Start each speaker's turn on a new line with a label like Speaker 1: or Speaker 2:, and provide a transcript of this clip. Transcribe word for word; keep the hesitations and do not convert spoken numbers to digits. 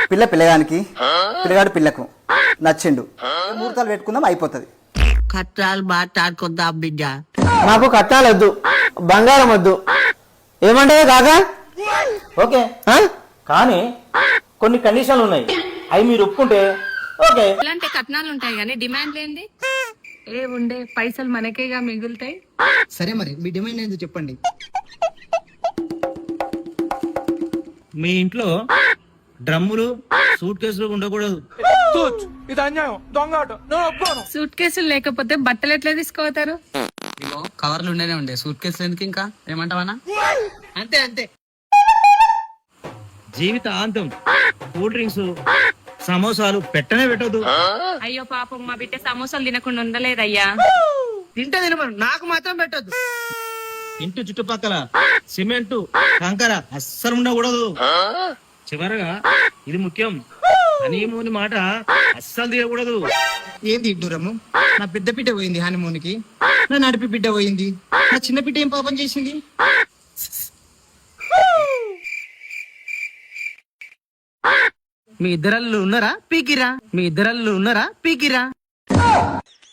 Speaker 1: పిల్ల పిల్లగానికి, పిల్లగాడు పిల్లకు నచ్చిండు, ముహూర్తాలు పెట్టుకుందాం, అయిపోతుంది.
Speaker 2: కట్టాలు మాట్లాడుకుందాం బిడ్డ.
Speaker 3: నాకు కట్టాలు వద్దు, బంగారం వద్దు. ఏమంటావా కాకా?
Speaker 4: ఓకే కానీ కొన్ని కండిషన్లు ఉన్నాయి, అవి మీరు ఒప్పుకుంటే ఓకే.
Speaker 5: ఇలాంటి కట్నాలు ఉంటాయి కానీ డిమాండ్ లేండి ఏ ఉండే పైసలు మనకేగా మిగులుతాయి.
Speaker 6: సరే మరి మీ డిమాండ్ ఏందో చెప్పండి.
Speaker 7: మీ ఇంట్లో డ్రమ్ములు సూట్ కేసులు ఉండకూడదు.
Speaker 5: సూట్ కేసులు లేకపోతే బట్టలు ఎట్లా తీసుకోతారు?
Speaker 8: కవర్లు ఉండేనే ఉండే సూట్ కేసులు ఎందుకు? ఇంకా ఏమంటావనా?
Speaker 6: అంతే అంతే.
Speaker 7: జీవితాంతం కూల్ డ్రింక్స్ సమోసాలు పెట్టనే పెట్టదు.
Speaker 5: అయ్యో పాపం మా బిడ్డ సమోసాలు తినకుండా ఉండలేదయ్యా.
Speaker 6: తింటే తినమను, నాకు మాత్రం పెట్టద్దు.
Speaker 7: ఇంటి చుట్టుపక్కల సిమెంట్ కంకర అస్సలు ఉండకూడదు. చివరగా ఇది ముఖ్యం, హనీమూన్ మాట అస్సలు తీయకూడదు.
Speaker 6: ఏం తింటురమ్ము? నా పెద్ద బిడ్డ పోయింది హనీమూన్ కి, నా నడిపి బిడ్డ పోయింది, నా చిన్న బిడ్డ ఏం పాపం చేసింది?
Speaker 8: మీ ఇద్దరల్లు ఉన్నారా పీకిరా? మీ ఇద్దరల్లు ఉన్నారా పీకిరా?